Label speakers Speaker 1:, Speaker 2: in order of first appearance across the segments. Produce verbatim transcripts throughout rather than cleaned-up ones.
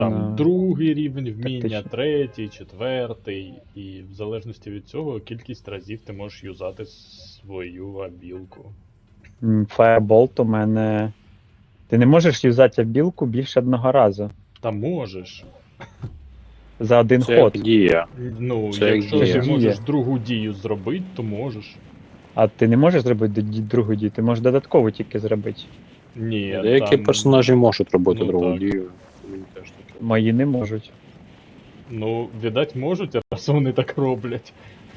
Speaker 1: там
Speaker 2: на
Speaker 1: другий рівень вміння,
Speaker 2: тактично.
Speaker 1: третій, четвертий, і в залежності від цього кількість разів ти можеш юзати свою абілку.
Speaker 2: М, Firebolt у мене. Ти не можеш юзати білку більше одного разу
Speaker 1: Та можеш.
Speaker 2: за один
Speaker 3: Це як
Speaker 2: ход.
Speaker 3: дія.
Speaker 1: Ну,
Speaker 3: Це як
Speaker 1: якщо
Speaker 2: дія.
Speaker 1: ти можеш
Speaker 2: Дія.
Speaker 1: другу дію зробити, то можеш.
Speaker 2: А ти не можеш зробити д- другу дію, ти можеш додатково тільки зробити.
Speaker 1: Ні,
Speaker 3: Деякі
Speaker 1: там...
Speaker 3: персонажі можуть робити
Speaker 1: Ну,
Speaker 3: другу
Speaker 1: так.
Speaker 3: дію. Мені теж таке.
Speaker 2: Мої не можуть.
Speaker 1: Ну, віддать можуть, а раз вони так роблять.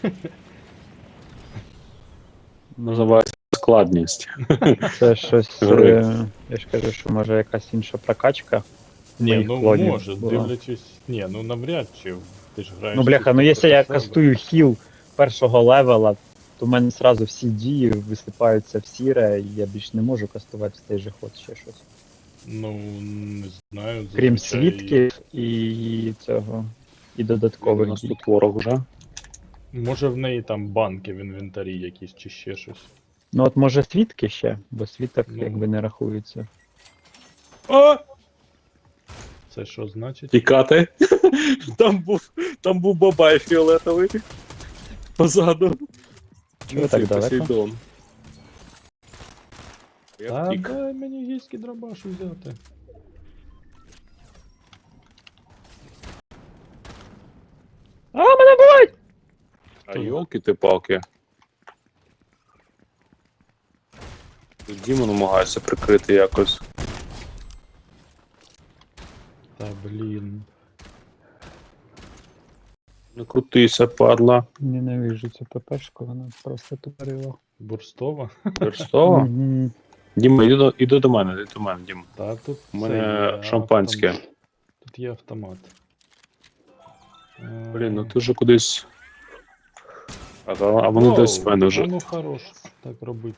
Speaker 3: Називається складність.
Speaker 2: Це щось.
Speaker 3: Гри.
Speaker 2: е, Я ж кажу, що може якась інша прокачка.
Speaker 1: Ні,
Speaker 2: моїх
Speaker 1: ну
Speaker 2: клонів
Speaker 1: може,
Speaker 2: була.
Speaker 1: дивлячись. Ні, ну навряд чи. Ти ж граєш.
Speaker 2: Ну бляха, ну
Speaker 1: чисто
Speaker 2: якщо я
Speaker 1: проти себе.
Speaker 2: кастую хіл першого левела, то в мене одразу всі дії висипаються в сіре, і я більш не можу кастувати в цей же ход ще щось.
Speaker 1: Ну, не знаю.
Speaker 2: Крім
Speaker 1: зазвичай-
Speaker 2: свідків і цього. І додаткових
Speaker 3: У нас
Speaker 2: дій.
Speaker 3: тут ворог вже.
Speaker 1: Може в неї там банки в інвентарі якісь чи ще щось.
Speaker 2: Ну от може свідки ще, бо свідок
Speaker 1: Ну.
Speaker 2: якби не рахується.
Speaker 3: А!
Speaker 1: Це що значить?
Speaker 3: Тікати. Там був, там був бабай фіолетовий. Позаду.
Speaker 2: Чого так далеко?
Speaker 3: Посейдон. Я
Speaker 1: Та
Speaker 3: втік.
Speaker 1: дай мені гійський драбаш взяти.
Speaker 2: А, мене бувають!
Speaker 3: А йолки ти палки. Тут Діма намагається прикрити якось.
Speaker 1: Та блін.
Speaker 3: Не крутися, падла.
Speaker 2: Ненавижу цю ППшку, вона просто тупорила.
Speaker 1: Бурстова?
Speaker 3: Верстова?
Speaker 2: Мгм.
Speaker 3: Діма, іди до, іди до мене, іди до мене, Діма.
Speaker 1: Та тут
Speaker 3: У
Speaker 1: це
Speaker 3: мене
Speaker 1: є
Speaker 3: шампанське.
Speaker 1: автомат. Тут є автомат. Е,
Speaker 3: Блін, ну ти вже кудись. А, та- а вони
Speaker 1: оу,
Speaker 3: десь в мене
Speaker 1: а
Speaker 3: вже.
Speaker 1: Ну хорош так робить.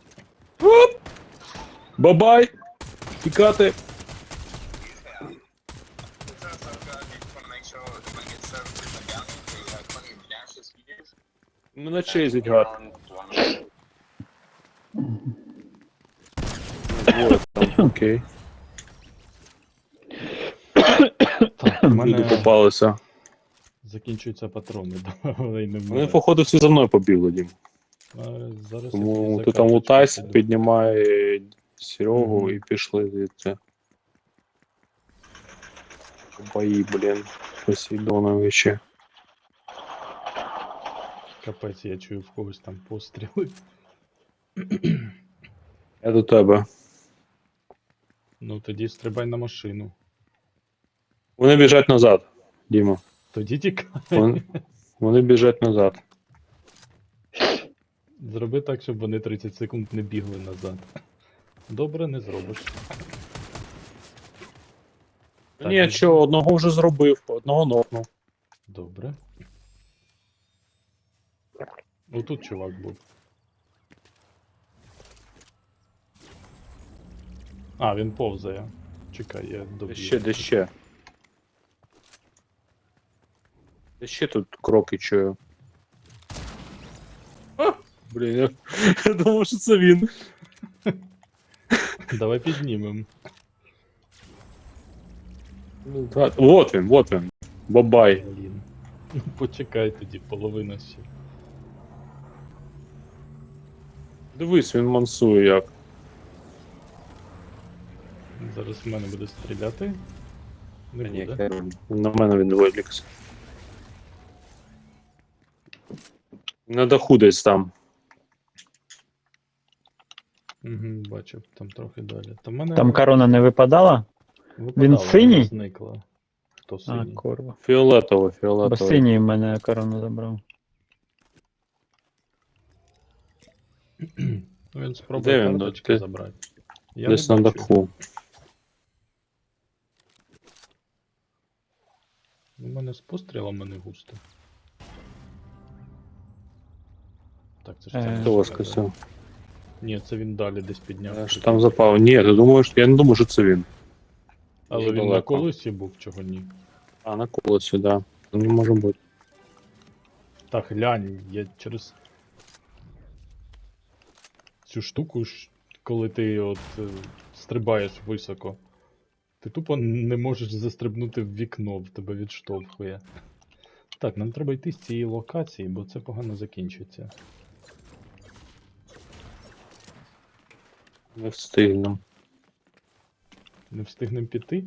Speaker 3: Бабай! Тікати! Мене чейзить гад. Двоє там, окей.
Speaker 1: Так, у
Speaker 3: Люди
Speaker 1: мене
Speaker 3: попалися.
Speaker 1: закінчуються патрони, але й не
Speaker 3: Вони,
Speaker 1: вмирає.
Speaker 3: походу, всі за мною побігли, Дім.
Speaker 1: А, Зараз я
Speaker 3: Тому
Speaker 1: тобі
Speaker 3: ти
Speaker 1: за
Speaker 3: там
Speaker 1: карточку
Speaker 3: лутайся,
Speaker 1: піду.
Speaker 3: піднімай Серегу
Speaker 1: Мгм.
Speaker 3: і пішли звідти. Бої, блін, Посейдоновичі.
Speaker 1: Капець, я чую в когось там постріли.
Speaker 3: Я до тебе.
Speaker 1: Ну тоді стрибай на машину.
Speaker 3: Вони біжать назад, Діма.
Speaker 1: Тоді тікай.
Speaker 3: Вони, вони біжать назад.
Speaker 1: Зроби так, щоб вони тридцять секунд не бігли назад. Добре, не зробиш. Так,
Speaker 3: Ні,
Speaker 1: ну-
Speaker 3: що, одного вже зробив, одного нокнув.
Speaker 1: Добре. Ну тут чувак був. А, він повзає. Чекай, я
Speaker 3: Де
Speaker 1: доб'ю.
Speaker 3: ще, де ще? Де ще тут кроки чую? А, блін, я, я думав, що це він.
Speaker 1: Давай піднімемо.
Speaker 3: Ну, да. Вот він, вот він. Бабай.
Speaker 1: Блін. Ну почекай тоді, половина ще.
Speaker 3: Дивись, він мансує як.
Speaker 1: Зараз в мене буде стріляти. Не
Speaker 3: Та ні,
Speaker 1: буде.
Speaker 3: хер, на мене він вилікся. На даху десь там.
Speaker 1: Угу, бачив, там трохи далі. Та в мене
Speaker 2: Там корона не випадала?
Speaker 1: випадало,
Speaker 2: він синій?
Speaker 1: вона зникла. Хто
Speaker 2: А,
Speaker 1: синій?
Speaker 2: курва.
Speaker 3: Фіолетово,
Speaker 2: Бо
Speaker 3: фіолетово.
Speaker 2: синій в мене корону забрав.
Speaker 1: Ну, він спробує
Speaker 3: Де він?
Speaker 1: карточки
Speaker 3: Ти-
Speaker 1: забрати. Я
Speaker 3: Десь
Speaker 1: не
Speaker 3: на
Speaker 1: бачу.
Speaker 3: даху.
Speaker 1: У мене з пострілами не густо. Так, це ж
Speaker 2: Е,
Speaker 1: це.
Speaker 3: Хто воскресив?
Speaker 1: Ні, це він далі десь підняв.
Speaker 3: Я ж там запав. Ні, ти думаєш, я не думаю, що це він.
Speaker 1: Але
Speaker 3: дуже
Speaker 1: він на
Speaker 3: далеко.
Speaker 1: колесі був, чого ні.
Speaker 3: А, на колесі, да. Не може бути.
Speaker 1: Так, глянь, я через цю штуку, ж, коли ти от е, стрибаєш високо, Ти тупо не можеш застрибнути в вікно, в тебе відштовхує. Так, нам треба йти з цієї локації, бо це погано закінчиться.
Speaker 3: Не встигну.
Speaker 1: Не встигнемо піти?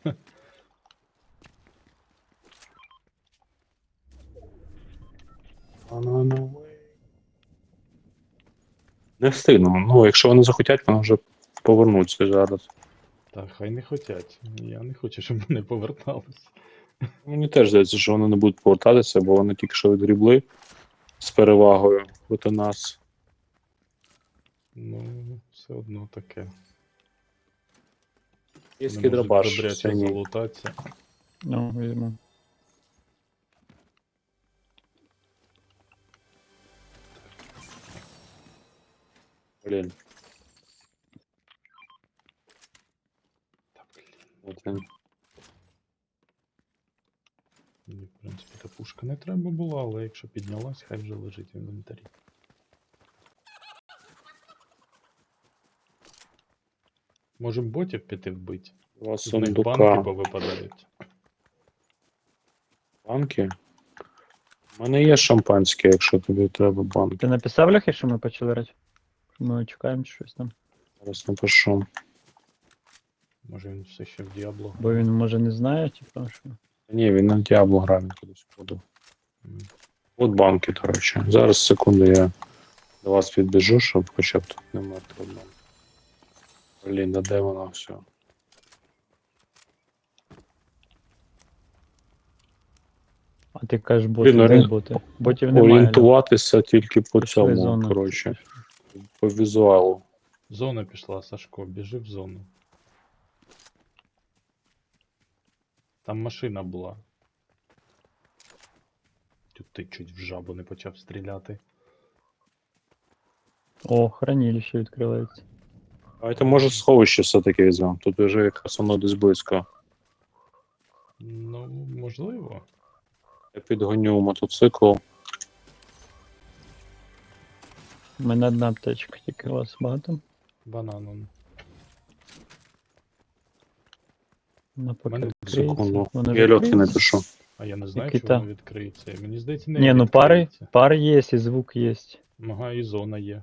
Speaker 3: Не встигнемо. Ну, якщо вони захотять, вони вже повернуться зараз.
Speaker 1: Так, хай не хотять. Я не хочу, щоб вони повертались.
Speaker 3: Мені теж здається, що вони не будуть повертатися, бо вони тільки що відгрібли з перевагою проти нас.
Speaker 1: Ну, все одно таке.
Speaker 3: Є
Speaker 1: Вони можуть
Speaker 3: дробаш.
Speaker 1: добряче
Speaker 3: синій.
Speaker 1: залутатися.
Speaker 2: Ну, візьму.
Speaker 3: Блін.
Speaker 1: Та блін.
Speaker 3: От він.
Speaker 1: Мені, в принципі, та пушка не треба була, але якщо піднялась, хай вже лежить в інвентарі. Можем ботів піти вбити.
Speaker 3: Два
Speaker 1: З них банки
Speaker 3: сундука.
Speaker 1: повипадають.
Speaker 3: Банки? У мене є шампанське, якщо тобі треба банки.
Speaker 2: Ти написав Льохи, що ми почали грати? Ми чекаємо щось там.
Speaker 3: Зараз напишу.
Speaker 1: Може він все ще в Діабло.
Speaker 2: Бо він може не знає, типу, що.
Speaker 3: Ні, він на Діабло грає, він кудись подав.
Speaker 1: М.
Speaker 3: От банки, до речі. Зараз, секунду, я до вас підбіжу, щоб хоча б тут немає проблем. Блін, да де воно все?
Speaker 2: А ти кажеш, боти,
Speaker 3: Блін,
Speaker 2: де
Speaker 3: орі-
Speaker 2: боти? Ботів немає. Льох.
Speaker 3: Орієнтуватися тільки по
Speaker 2: Пішли
Speaker 3: цьому,
Speaker 2: зону.
Speaker 3: коротше, по візуалу.
Speaker 1: Зона пішла, Сашко, біжи в зону. Там машина була. Тут ти чуть в жабу не почав стріляти.
Speaker 2: О, хранилище відкривається.
Speaker 3: Давайте, може, сховище все-таки візьмемо. Тут вже якраз воно десь близько.
Speaker 1: Ну, можливо.
Speaker 3: Я підгоню мотоцикл.
Speaker 2: У мене одна аптечка, тільки у вас багато.
Speaker 1: Бананом.
Speaker 2: Вона поки
Speaker 1: Мене
Speaker 2: відкриється.
Speaker 3: Секунду.
Speaker 2: Вона
Speaker 3: Я льотки
Speaker 2: відкриється.
Speaker 3: напишу.
Speaker 1: А я не знаю,
Speaker 2: Який
Speaker 1: чи
Speaker 2: та?
Speaker 1: воно відкриється. Мені здається, не
Speaker 2: Ні, ну пари,
Speaker 1: відкриється.
Speaker 2: пари є, і звук є.
Speaker 1: Ага, і зона є.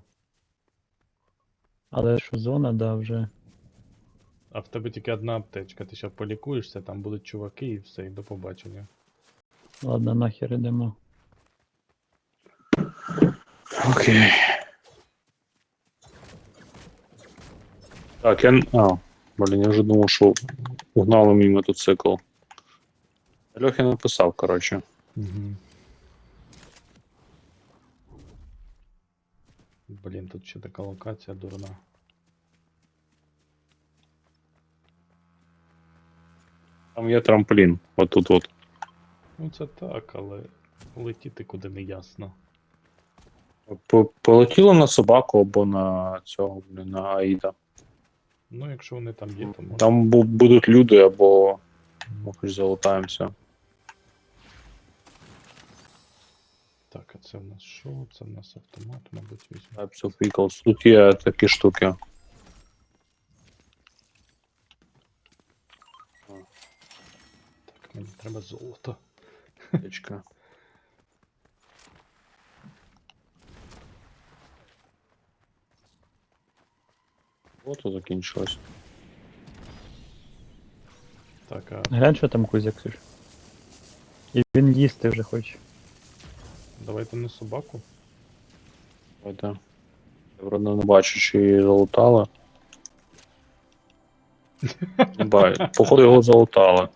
Speaker 2: Але що зона, да, вже.
Speaker 1: А в тебе тільки одна аптечка, ти ще полікуєшся, там будуть чуваки і все, і до побачення.
Speaker 2: Ладно, нахер ідемо.
Speaker 3: Окей. Так, я... А, блін, я вже думав, що угнали мій мотоцикл. Льохи написав, коротше.
Speaker 1: Угу. Блін, тут ще така локація дурна.
Speaker 3: Там є трамплін, отут от.
Speaker 1: Ну це так, але летіти куди не ясно.
Speaker 3: По- Полетіло на собаку або на цього, блін, на Аїда.
Speaker 1: Ну, якщо вони там є, то можна.
Speaker 3: Там бу- будуть люди або ми хоч залутаємося.
Speaker 1: Так, а це в нас що? Це в нас автомат, мабуть, візьму.
Speaker 3: Types of vehicles. Тут є такі штуки.
Speaker 1: Так, мені треба золото.
Speaker 3: Аптечка. От і закінчилось.
Speaker 1: Так, а
Speaker 2: Глянь, що там Кузя, Ксюш. І він їсти вже хоче.
Speaker 1: давайте не собаку.
Speaker 3: Давайте. Я вроде не бачу, чи її залутали. Не бачу. Походу його залутали.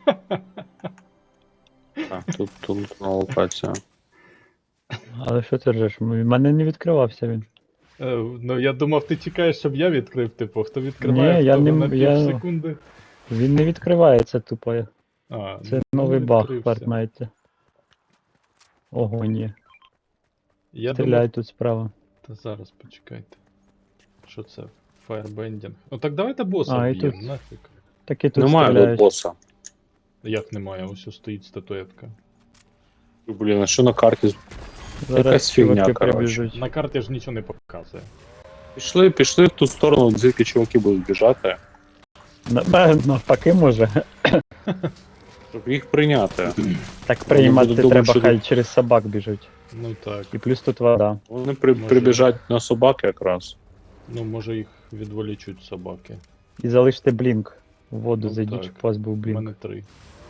Speaker 3: Так, тут, тут на локація.
Speaker 2: Але що ти ржеш? У мене не відкривався він.
Speaker 1: Е, ну я думав, ти чекаєш, щоб я відкрив, типу, хто відкриває,
Speaker 2: Ні, я
Speaker 1: хто
Speaker 2: не-
Speaker 1: на пів
Speaker 2: я-
Speaker 1: секунди.
Speaker 2: Він не відкривається тупо.
Speaker 1: А,
Speaker 2: Це
Speaker 1: ну,
Speaker 2: новий баг в
Speaker 1: відкрився.
Speaker 2: Fortnite. Ого, ні.
Speaker 1: Я
Speaker 2: Стріляй
Speaker 1: думав,
Speaker 2: тут справа.
Speaker 1: та зараз почекайте. Що це? Firebending. Ну так давайте боса
Speaker 2: А, і
Speaker 1: б'ємо,
Speaker 2: тут
Speaker 1: нафіг.
Speaker 2: Такі тут
Speaker 3: Немає тут
Speaker 2: стріляють.
Speaker 3: боса.
Speaker 1: Як немає, ось ось стоїть статуетка.
Speaker 3: Блін, а що на карті?
Speaker 2: Зараз
Speaker 3: якась фігня,
Speaker 2: чуваки
Speaker 3: коротше.
Speaker 2: прибіжуть.
Speaker 1: На карті ж нічого не показує.
Speaker 3: Пішли, пішли в ту сторону, звідки чуваки будуть біжати.
Speaker 2: На- Навпаки може.
Speaker 3: Щоб їх прийняти.
Speaker 2: Так приймати
Speaker 3: буду думати,
Speaker 2: треба,
Speaker 3: що
Speaker 2: хай
Speaker 3: тут-
Speaker 2: через собак біжуть.
Speaker 1: Ну так.
Speaker 2: І плюс тут вода.
Speaker 3: Вони при,
Speaker 1: Може.
Speaker 3: прибіжать на собак якраз.
Speaker 1: Ну, може їх відволічуть собаки.
Speaker 2: І залиште блінк. В воду
Speaker 1: Ну,
Speaker 2: зайдіть,
Speaker 1: так.
Speaker 2: щоб у вас був
Speaker 1: У
Speaker 2: блінк.
Speaker 1: мене три.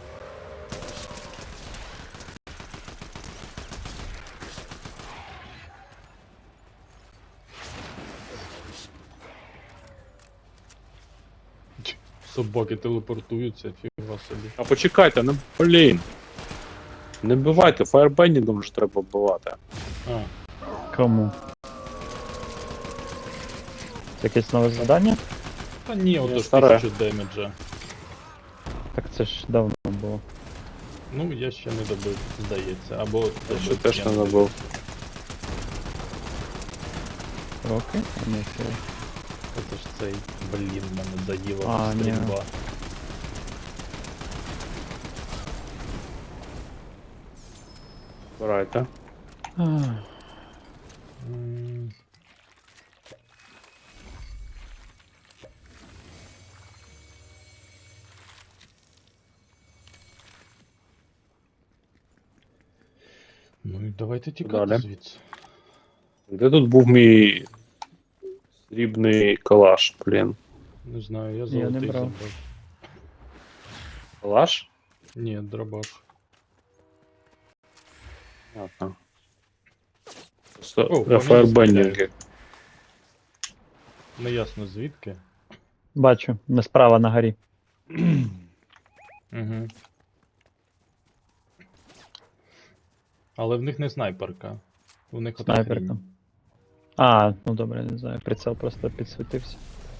Speaker 1: Ч, собаки телепортуються, фіга собі.
Speaker 3: А почекайте, ну блін. Не вбивайте, фаєрбендінгом ж треба вбивати.
Speaker 1: А,
Speaker 2: Кому? Це якесь нове завдання?
Speaker 1: та ні, ото ж
Speaker 3: старе.
Speaker 1: тисячу демеджа.
Speaker 2: Так це ж давно було.
Speaker 1: Ну, я ще не добив, здається. Або
Speaker 3: Я ще
Speaker 1: добив,
Speaker 3: теж
Speaker 1: я
Speaker 3: не
Speaker 1: не
Speaker 3: забув.
Speaker 2: Роки? А, ні, це...
Speaker 1: Це ж цей, блін, мене заїла
Speaker 2: А, ні.
Speaker 1: стрільба.
Speaker 3: Збирайте.
Speaker 2: Ах.
Speaker 1: М, Ну і давайте тікати
Speaker 3: Далі.
Speaker 1: звідси.
Speaker 3: Де тут був мій срібний калаш, блін?
Speaker 1: Не знаю, я
Speaker 2: не
Speaker 1: золотий
Speaker 2: брав.
Speaker 1: забрав.
Speaker 3: Калаш?
Speaker 1: Ні, дробаш.
Speaker 3: Ладно.
Speaker 1: О,
Speaker 3: Просто
Speaker 1: по
Speaker 3: для
Speaker 1: мені
Speaker 3: фаєрбендінги.
Speaker 1: стріляють. Неясно звідки.
Speaker 2: Бачу, не справа на горі.
Speaker 1: Угу. Але в них не снайперка. У них ота
Speaker 2: Снайперка.
Speaker 1: хрінь.
Speaker 2: А, ну добре, не знаю. Прицел просто підсвітився.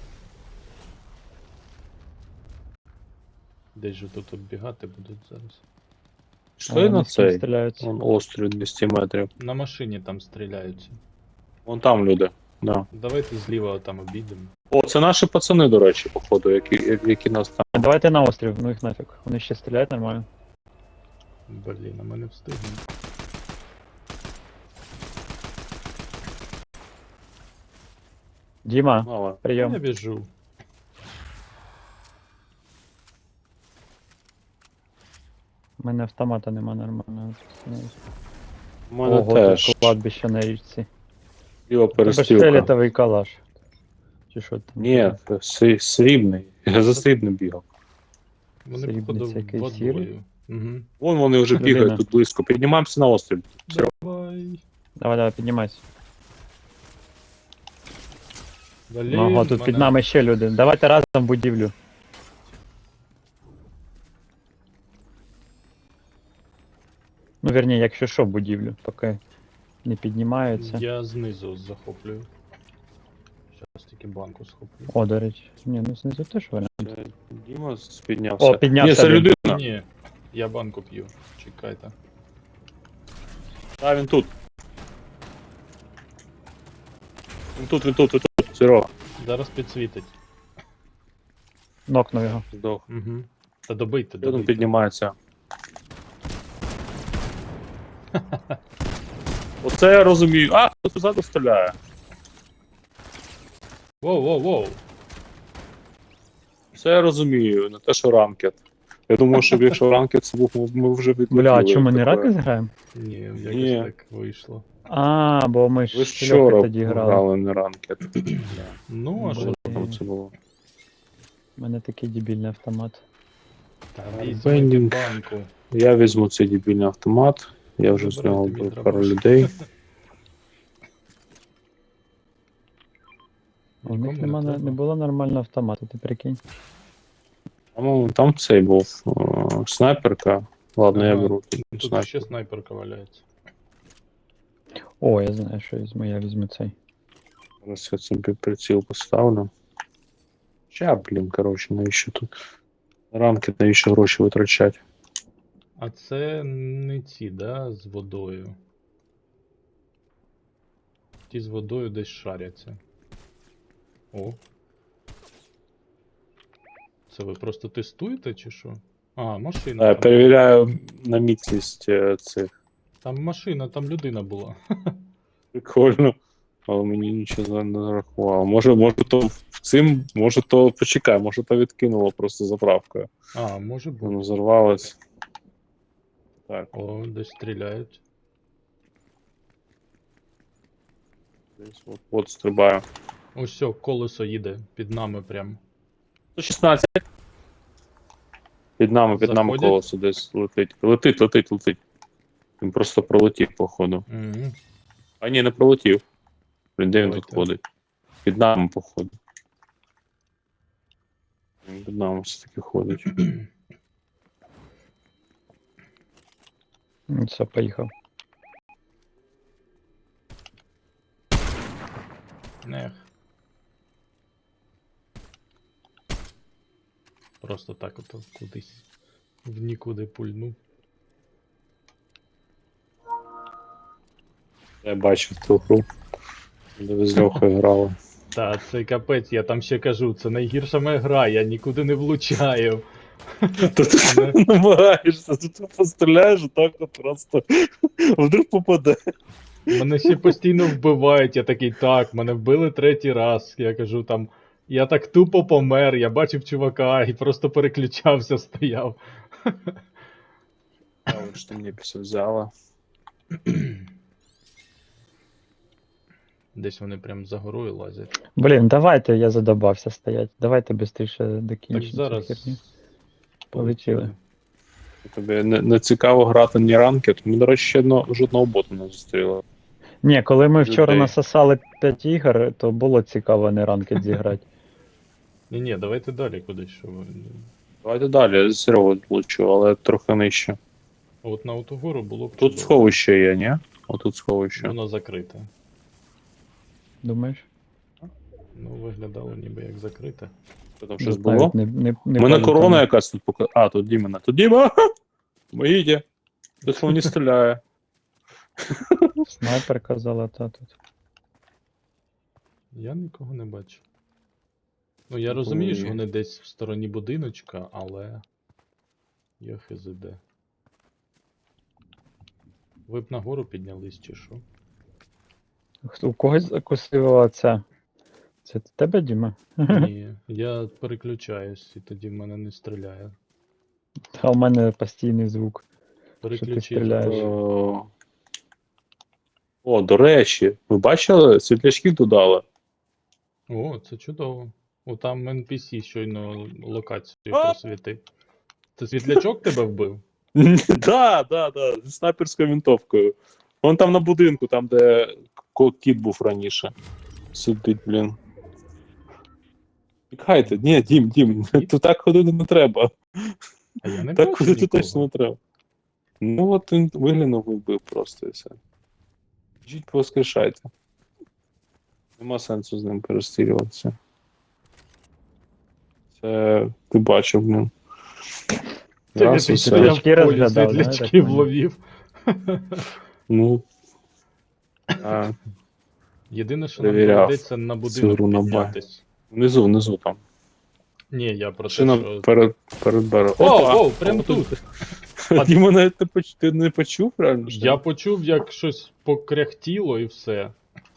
Speaker 1: Десь же тут оббігати будуть зараз.
Speaker 3: Йшли
Speaker 2: А,
Speaker 3: на
Speaker 2: вони з ким
Speaker 3: цей?
Speaker 2: стріляються.
Speaker 3: Вон острів двісті метрів.
Speaker 1: На машині там стріляються.
Speaker 3: Вон там люди. Да.
Speaker 1: Давайте зліва там обійдемо.
Speaker 3: О, це наші пацани, до речі, походу, які, які нас там.
Speaker 2: Давайте на острів, ну їх нафіг. Вони ще стріляють нормально.
Speaker 1: Блін, а ми не встигнемо.
Speaker 2: Діма,
Speaker 3: Мало.
Speaker 2: прийом.
Speaker 1: Я біжу.
Speaker 2: У мене автомата нема нормального.
Speaker 3: У мене
Speaker 2: Ого,
Speaker 3: теж
Speaker 2: тут кладбище на річці.
Speaker 3: ліва
Speaker 2: Тебе ж
Speaker 3: перестрілка.
Speaker 2: фіолетовий калаш. Чи що там?
Speaker 3: Ні, це срі- срібний. Я за срібним бігав.
Speaker 1: Вони
Speaker 2: Срібний
Speaker 1: походу
Speaker 2: це якийсь
Speaker 1: водою.
Speaker 2: сірий?
Speaker 1: Угу.
Speaker 3: Вон вони вже
Speaker 2: Людина.
Speaker 3: бігають тут близько. Піднімаємося на острів. Все.
Speaker 1: Давай.
Speaker 2: Давай, давай, піднімайся.
Speaker 1: Блін,
Speaker 2: Ага, тут
Speaker 1: мене-
Speaker 2: під нами ще люди. Давайте разом в будівлю. Ну, вірні, якщо що, в будівлю, поки не піднімаються.
Speaker 1: Я знизу захоплюю. Зараз тільки банку схоплю.
Speaker 2: О, до речі. Ні, ну знизу теж варіант.
Speaker 3: Це Діма піднявся.
Speaker 2: О, піднявся
Speaker 3: Ні, це
Speaker 2: він.
Speaker 3: людина.
Speaker 1: Ні, я банку п'ю. Чекайте.
Speaker 3: А, він тут. Він тут, він тут, він тут. Серега.
Speaker 1: Зараз підсвітить.
Speaker 2: Нокнув його.
Speaker 3: Здох.
Speaker 1: Угу. Та добийте,
Speaker 3: Він
Speaker 1: добийте.
Speaker 3: піднімається. Оце я розумію. А, хтось позаду стріляє.
Speaker 1: Воу, воу, воу.
Speaker 3: Це я розумію, не те, що ранкет. Я думаю, що якщо ранкет це був, ми вже відлетіли.
Speaker 2: Бля, а чому ми не
Speaker 3: Таке.
Speaker 2: раки зграємо?
Speaker 1: Ні, якось
Speaker 3: Ні.
Speaker 1: так вийшло.
Speaker 2: А, бо ми ж
Speaker 3: Ви ж
Speaker 2: з Льохою
Speaker 3: вчора
Speaker 2: тоді грали.
Speaker 3: грали не ранкет.
Speaker 1: Ну, а що?
Speaker 2: Блін.
Speaker 3: Там це було.
Speaker 2: У мене такий дебільний автомат.
Speaker 1: Та
Speaker 3: Бендінг.
Speaker 1: візьміть банку.
Speaker 3: Я візьму цей дебільний автомат. Я вже
Speaker 1: Забирайте
Speaker 3: зняв
Speaker 1: мій
Speaker 3: пару
Speaker 1: дробаш.
Speaker 3: людей.
Speaker 2: У них
Speaker 1: Нікому
Speaker 2: нема,
Speaker 1: не
Speaker 2: не,
Speaker 1: треба.
Speaker 2: не було нормального автомата, ти прикинь.
Speaker 3: Там, там цей був о, снайперка. Ладно, я
Speaker 1: Ага.
Speaker 3: беру тут
Speaker 1: Тут
Speaker 3: снайпер.
Speaker 1: ще снайперка валяється.
Speaker 2: О, я знаю, що я візьму, я візьму цей.
Speaker 3: Зараз я цим під приціл поставлю. Ща, блін, коротше, навіщо тут ранки, навіщо гроші витрачати?
Speaker 1: А це не ці, да, з водою. Ті з водою десь шаряться. О. Це ви просто тестуєте чи що? А, машина.
Speaker 3: Я
Speaker 1: там.
Speaker 3: перевіряю на міцність е, цих.
Speaker 1: Там машина, там людина була.
Speaker 3: Прикольно. але мені нічого не зарахувало. Може, може то в цим, може то почекай, може то відкинуло просто заправкою.
Speaker 1: А, може бути.
Speaker 3: Воно взорвалось. Так,
Speaker 1: О, десь стріляють.
Speaker 3: десь от, от стрибаю.
Speaker 1: Ось все, колесо їде під нами прям.
Speaker 3: сто шістнадцять. Під нами, під нами
Speaker 1: Заходять?
Speaker 3: колесо десь летить. Летить, летить, летить. Він просто пролетів, походу.
Speaker 1: Угу.
Speaker 3: А ні, не пролетів. Блін, де він тут
Speaker 1: Давайте.
Speaker 3: ходить? Під нами, походу. Він під нами все-таки ходить.
Speaker 2: Ну, все, поїхав.
Speaker 1: Нех. Просто так ото кудись в нікуди пульнув.
Speaker 3: Я бачив ту гру, де ви з Льохою грали.
Speaker 1: Та, це капець, я там ще кажу, це найгірша моя гра, я нікуди не влучаю.
Speaker 3: Та ти намагаєшся, тут постріляєш, так от просто вдруг попаде.
Speaker 1: Мене ще постійно вбивають, я такий, так, мене вбили третій раз. Я кажу там, я так тупо помер, я бачив чувака і просто переключався, стояв.
Speaker 3: А от що мені все взяла.
Speaker 1: Десь вони прям за горою лазять.
Speaker 2: Блін, давайте, я задобався стоять. Давайте швидше
Speaker 1: Так
Speaker 2: докінчимо цю
Speaker 1: зараз.
Speaker 2: херню. Полетіли.
Speaker 3: Тобі не, не цікаво грати ні ранкет. Ми, до речі, ще одно, жодного боту не зустріли.
Speaker 2: Ні, коли ми вчора
Speaker 3: Людей.
Speaker 2: насосали п'ять ігор, то було цікаво не ранкет зіграти.
Speaker 1: Ні, ні, давайте далі кудись, що ви.
Speaker 3: Давайте далі, я з Серегу влучу, але трохи нижче.
Speaker 1: От на оту гору було б
Speaker 3: Тут
Speaker 1: чудово.
Speaker 3: сховище є, ні? Отут сховище.
Speaker 1: Воно закрите.
Speaker 2: Думаєш?
Speaker 1: Ну, виглядало ніби як закрите.
Speaker 3: Що там щось
Speaker 2: Навіть
Speaker 3: було?
Speaker 2: Не, не, не
Speaker 3: У мене
Speaker 2: пам'ятаю.
Speaker 3: корона якась тут пока. А, тут Дімена. Тут Діма! Поїдьте! Хтось мені стріляє.
Speaker 2: Снайпер казала, та тут.
Speaker 1: Я нікого не бачу. Ну, я
Speaker 3: Ну,
Speaker 1: розумію, що
Speaker 3: ні.
Speaker 1: вони десь в стороні будиночка, але. Я хз де. Ви б нагору піднялись чи що?
Speaker 2: Хто- У когось закусила ця. Це тебе, Діма?
Speaker 1: Ні, я переключаюсь і тоді в мене не стріляє.
Speaker 2: А у мене постійний звук.
Speaker 1: Переключи.
Speaker 2: стріляєш?
Speaker 3: О, О, до речі, ви бачили, світлячки додали?
Speaker 1: О, це чудово. О, там ен пі сі щойно локацію
Speaker 3: А!
Speaker 1: просвітив. Це світлячок тебе вбив?
Speaker 3: Да, да, да, зі снайперською винтовкою. Вон там на будинку, там, де ко- кіт був раніше. Сидить, блін. Тікайте, ні, Дім, Дім, тут так ходити не треба.
Speaker 1: А я не
Speaker 3: Так
Speaker 1: бачу
Speaker 3: ходити
Speaker 1: нікого.
Speaker 3: точно не треба. Ну от він виглянув і вбив просто і все. Жіть, повоскрешайте. Нема сенсу з ним перестрілюватися. Це ти бачив, блін.
Speaker 1: Це
Speaker 3: Раз,
Speaker 1: ти
Speaker 3: і
Speaker 1: стояв
Speaker 3: все.
Speaker 1: в
Speaker 2: Світлячки
Speaker 1: полі,
Speaker 2: розглядав, да,
Speaker 1: світлячки
Speaker 2: так понял?
Speaker 1: вловів.
Speaker 3: Ну. А,
Speaker 1: Єдине, що нам
Speaker 3: Перевіряв
Speaker 1: доведеться на
Speaker 3: цю
Speaker 1: будинок
Speaker 3: гру на
Speaker 1: піднятись.
Speaker 3: внизу, внизу там.
Speaker 1: Ні, я про те,
Speaker 3: Машина
Speaker 1: що...
Speaker 3: перед, перед берегом.
Speaker 1: О, о, прямо тут.
Speaker 3: А Діма навіть не почув, ти не почув, реально? що
Speaker 1: Я
Speaker 3: ли?
Speaker 1: почув, як щось покряхтіло і все.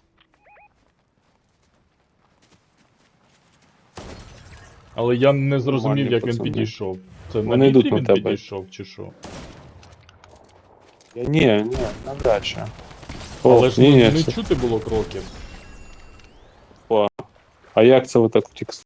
Speaker 1: Але я не зрозумів,
Speaker 3: Нормальні
Speaker 1: як він
Speaker 3: пацани.
Speaker 1: підійшов. Це на
Speaker 3: Вони йдуть
Speaker 1: вітрі
Speaker 3: на
Speaker 1: він
Speaker 3: тебе.
Speaker 1: підійшов, чи що?
Speaker 3: Я, ні, ні, навряд чи.
Speaker 1: Але
Speaker 3: О,
Speaker 1: ж
Speaker 3: ні,
Speaker 1: не,
Speaker 3: ні,
Speaker 1: не
Speaker 3: це-
Speaker 1: чути було кроків.
Speaker 3: А як це ви так втік